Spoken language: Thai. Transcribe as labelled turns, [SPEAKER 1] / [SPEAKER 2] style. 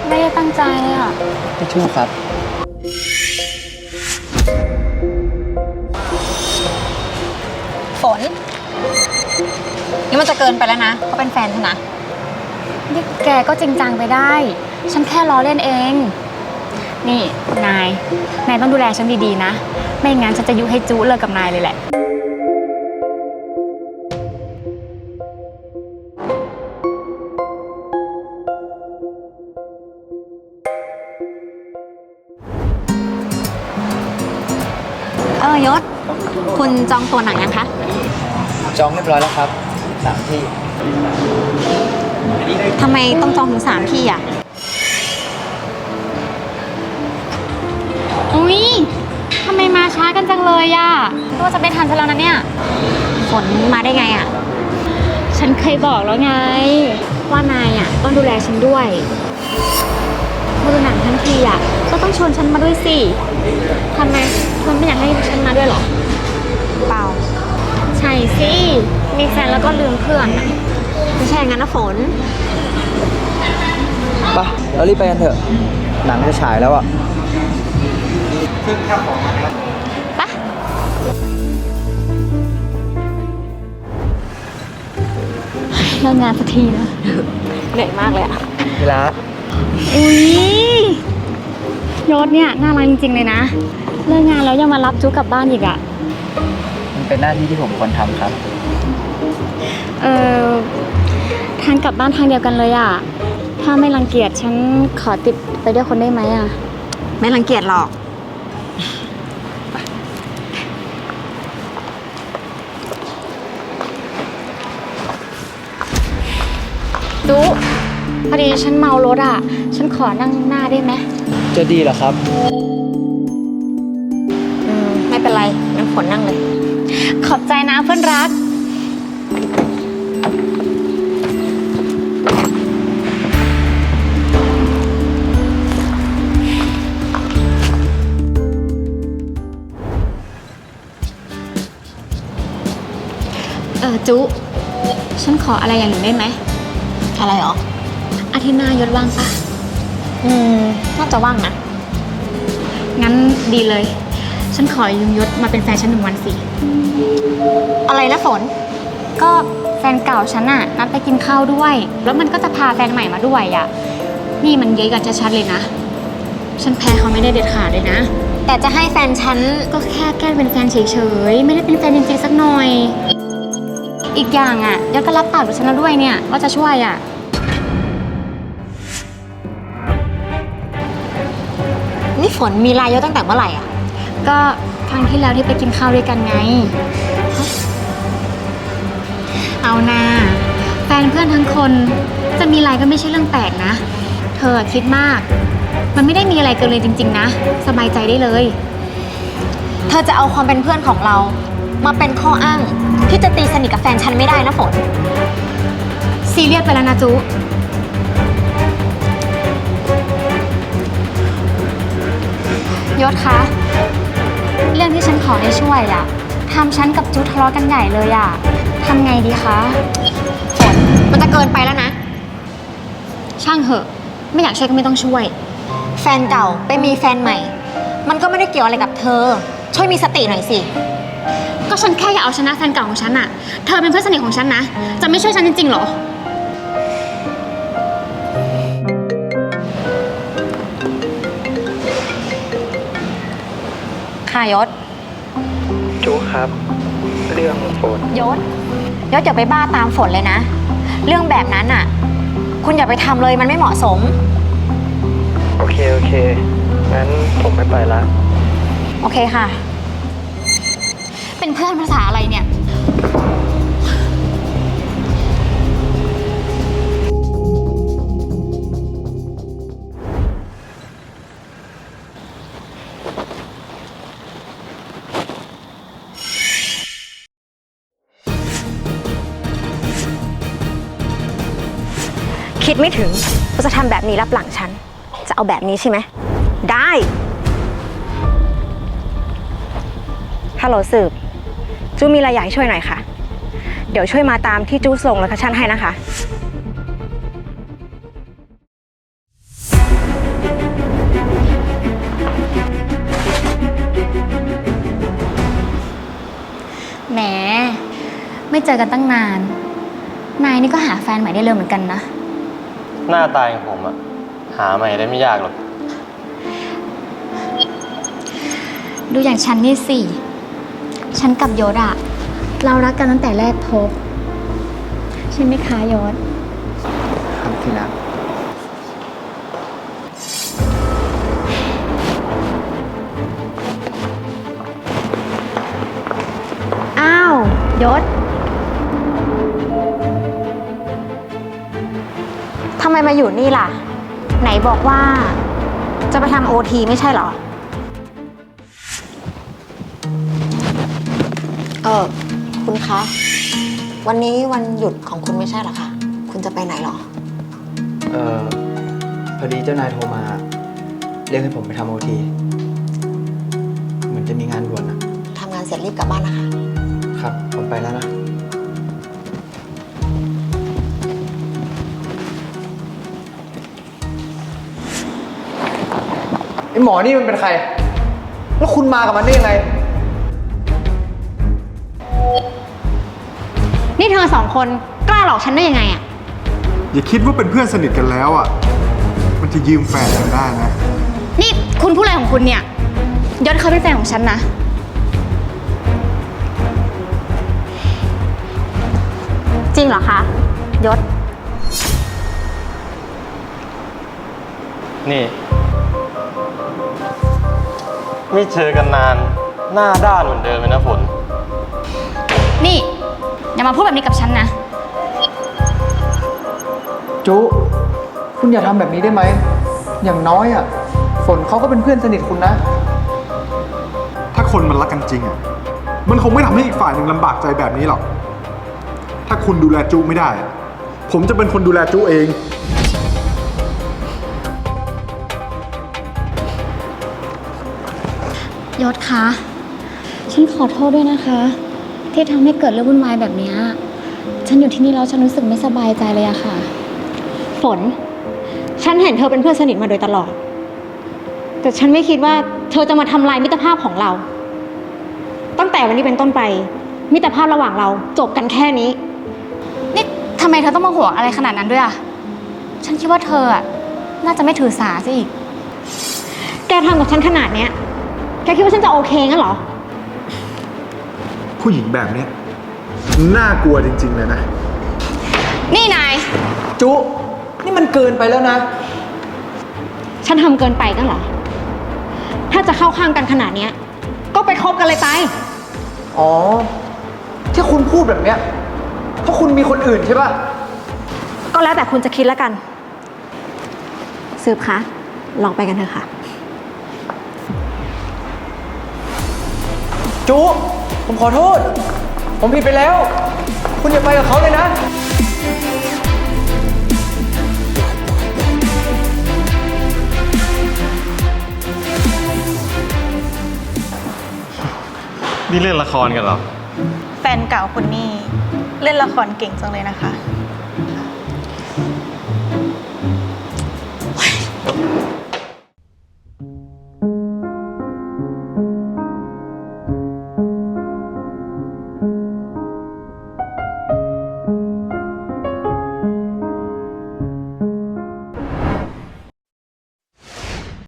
[SPEAKER 1] ไม่ได้ตั้งใจเลยอ่ะ
[SPEAKER 2] ไม่ชู้ครับ
[SPEAKER 1] ฝนนี่มันจะเกินไปแล้วนะเขาเป็นแฟนฉันนะนี่แกก็จริงจังไปได้ฉันแค่ล้อเล่นเองนี่นายต้องดูแลฉันดีๆนะไม่งั้นฉันจะยุให้จู้เลิกกับนายเลยแหละยศคุณจองตัวหนังยังคะ
[SPEAKER 2] จองเรียบร้อยแล้วครับ3 ที่
[SPEAKER 1] ทำไมต้องจองถึง3 ที่อ่ะอุ๊ยทำไมมาช้ากันจังเลยอ่ะตัวจะไม่ทันฉันแล้วนะเนี่ยฝนมาได้ไงอ่ะฉันเคยบอกแล้วไงว่านายอ่ะต้องดูแลฉันด้วยมาดูหนังทั้งทีอ่ะก็ต้องชวนฉันมาด้วยสิทำไมเธอไม่อยากให้ฉันมาด้วยหรอเปล่าใช่สิมีแฟนแล้วก็ลืมเพื่อนอ่ะไม่ใช่งั้นนะฝน
[SPEAKER 2] ไปเรารีบไปกันเถอะหนังจะฉายแล้วอ่ะ
[SPEAKER 1] ปะเลิกงานสักทีนะเหนื่อยมากเลยอ่ะ
[SPEAKER 2] เวลา
[SPEAKER 1] อุ๊ยยศเนี่ยน่ารักจริงๆเลยนะเลิกงานแล้วยังมารับจุ๊กกลับบ้านอีกอ่ะ
[SPEAKER 2] มันเป็นหน้าที่ที่ผมควรทำครับ
[SPEAKER 1] ทางกลับบ้านทางเดียวกันเลยอ่ะถ้าไม่รังเกียจฉันขอติดไปด้วยคนได้ไหมอ่ะไม่รังเกียจหรอกจุ๊พอดีฉันเมารถอ่ะฉันขอนั่งหน้าได้ไหม
[SPEAKER 2] จะดีเหรอครับ
[SPEAKER 1] ไม่เป็นไรงั้นฝนนั่งเลยขอบใจนะเพื่อนรักจุฉันขออะไรอย่างหนึ่งได้ไหมอะไรหรออาทิตย์หน้ายศว่างปะน่าจะว่างนะงั้นดีเลยฉันขอยืมยศมาเป็นแฟนฉัน1 วันสิอะไรนะฝนก็แฟนเก่าฉันน่ะนัดไปกินข้าวด้วยแล้วมันก็จะพาแฟนใหม่มาด้วยอ่ะนี่มันเย้ยกันชัดๆเลยนะฉันแพ้เขาไม่ได้เด็ดขาดเลยนะแต่จะให้แฟนฉันก็แค่แกล้งเป็นแฟนเฉยๆไม่ได้เป็นแฟนจริงๆสักหน่อยอีกอย่างอ่ะยศก็รับปากกับฉันแล้วด้วยเนี่ยว่าจะช่วยอ่ะนี่ฝนมีไลน์ยศตั้งแต่เมื่อไหร่อ่ะก็ครั้งที่แล้วที่ไปกินข้าวด้วยกันไงเอานาแฟนเพื่อนทั้งคนจะมีไลน์ก็ไม่ใช่เรื่องแปลกนะเธอคิดมากมันไม่ได้มีอะไรเกินเลยจริงๆนะสบายใจได้เลยเธอจะเอาความเป็นเพื่อนของเรามาเป็นข้ออ้างที่จะตีสนิทกับแฟนฉันไม่ได้นะฝนซีเรียสไปแล้วนะจุยศคะเรื่องที่ฉันขอให้ช่วยอะทำฉันกับจุทะเลาะกันใหญ่เลยอะทำไงดีคะฝนมันจะเกินไปแล้วนะช่างเหอะไม่อยากช่วยก็ไม่ต้องช่วยแฟนเก่าไปมีแฟนใหม่มันก็ไม่ได้เกี่ยวอะไรกับเธอช่วยมีสติหน่อยสิก็ฉันแค่อยากเอาชนะแฟนเก่าของฉันอะเธอเป็นเพื่อนสนิทของฉันนะจะไม่ช่วยฉันจริงๆหรอค่ะยศ
[SPEAKER 2] จูครับเรื่องฝน
[SPEAKER 1] ยศอย่าไปบ้าตามฝนเลยนะเรื่องแบบนั้นอ่ะคุณอย่าไปทำเลยมันไม่เหมาะสม
[SPEAKER 2] โอเคงั้นผมไม่ไปละ
[SPEAKER 1] โอเคค่ะเป็นเพื่อนภาษาอะไรเนี่ยคิดไม่ถึงว่าจะทำแบบนี้รับหลังฉันจะเอาแบบนี้ใช่ไหมได้ฮัลโหลสืบจูมีอะไรอยากให้ช่วยหน่อยค่ะเดี๋ยวช่วยมาตามที่จูส่งโลเคชั่นให้นะคะไม่เจอกันตั้งนาน นายนี่ก็หาแฟนใหม่ได้เร็วเหมือนกันนะ
[SPEAKER 2] หน้าตาอย่างผมอะหาใหม่ได้ไม่ยากหรอก
[SPEAKER 1] ดูอย่างฉันนี่สิ ฉันกับยศอะเรารักกันตั้งแต่แรกพบใช่ไหมคะยศ
[SPEAKER 2] ครับที่รัก
[SPEAKER 1] อ้าวยศทำไมมาอยู่นี่ล่ะ ไหนบอกว่าจะไปทำโอทีไม่ใช่เหรอ
[SPEAKER 3] คุณคะ วันนี้วันหยุดของคุณไม่ใช่เหรอคะ คุณจะไปไหนเหรอ
[SPEAKER 2] พอดีเจ้านายโทรมา เรียกให้ผมไปทำโอทีเหมือนจะมีงานด่วนอะ
[SPEAKER 3] ทำงานเสร็จรีบกลับบ้านนะคะ
[SPEAKER 2] ครับ ผมไปแล้วนะ ไอหมอนี่มันเป็นใคร แล้วคุณมากับมันได้ยังไง
[SPEAKER 1] นี่เธอสองคนกล้าหลอกฉันได้ยังไงอะ
[SPEAKER 4] อย่าคิดว่าเป็นเพื่อนสนิทกันแล้วอ่ะ มันจะยืมแฟนกันได้นะ
[SPEAKER 1] นี่คุณพูดอะไรของคุณเนี่ยยศเขาเป็นแฟนของฉันนะ จริงเหรอคะยศ
[SPEAKER 2] นี่ ไม่เจอกันนาน หน้าด้านเหมือนเดิมเลยนะฝน
[SPEAKER 1] นี่อย่ามาพูดแบบนี้กับฉันนะ
[SPEAKER 5] จุคุณอย่าทำแบบนี้ได้ไหม อย่างน้อยอ่ะ ฝนเขาก็เป็นเพื่อนสนิทคุณนะ
[SPEAKER 4] ถ้าคนมันรักกันจริงอ่ะ มันคงไม่ทำให้อีกฝ่ายหนึ่งลำบากใจแบบนี้หรอก ถ้าคุณดูแลจุไม่ได้อะผมจะเป็นคนดูแลจุเอง
[SPEAKER 1] ยศคะ ฉันขอโทษด้วยนะคะ ที่ทำให้เกิดเรื่องวุ่นวายแบบนี้ฉันอยู่ที่นี่แล้วฉันรู้สึกไม่สบายใจเลยอะค่ะ
[SPEAKER 6] ฝน ฉันเห็นเธอเป็นเพื่อนสนิทมาโดยตลอด แต่ฉันไม่คิดว่าเธอจะมาทำลายมิตรภาพของเรา ตั้งแต่วันนี้เป็นต้นไป มิตรภาพระหว่างเราจบกันแค่นี้
[SPEAKER 1] นี่ทำไมเธอต้องมาห่วงอะไรขนาดนั้นด้วยอะฉันคิดว่าเธออะน่าจะไม่ถือสาซะอีก
[SPEAKER 6] แกทำกับฉันขนาดเนี้ย แกคิดว่าฉันจะโอเคงั้นเหรอ
[SPEAKER 4] ผู้หญิงแบบเนี้ยน่ากลัวจริงๆเลยนะ
[SPEAKER 1] นี่นาย
[SPEAKER 5] จุนี่มันเกินไปแล้วนะ
[SPEAKER 6] ฉันทำเกินไปกันเหรอ ถ้าจะเข้าข้างกันขนาดเนี้ย ก็ไปคบกันเลยไป
[SPEAKER 5] อ๋อ ที่คุณพูดแบบเนี้ยเพราะคุณมีคนอื่นใช่ป่ะ
[SPEAKER 6] ก็แล้วแต่คุณจะคิดแล้วกัน สืบคะ ลองไปกันเถอะค่ะ
[SPEAKER 5] จุผมขอโทษ ผมผิดไปแล้ว คุณอย่าไปกับเขาเลยนะ
[SPEAKER 2] นี่เล่นละครกันเหรอ
[SPEAKER 7] แฟนเก่าคุณนี่เล่นละครเก่งจังเลยนะคะ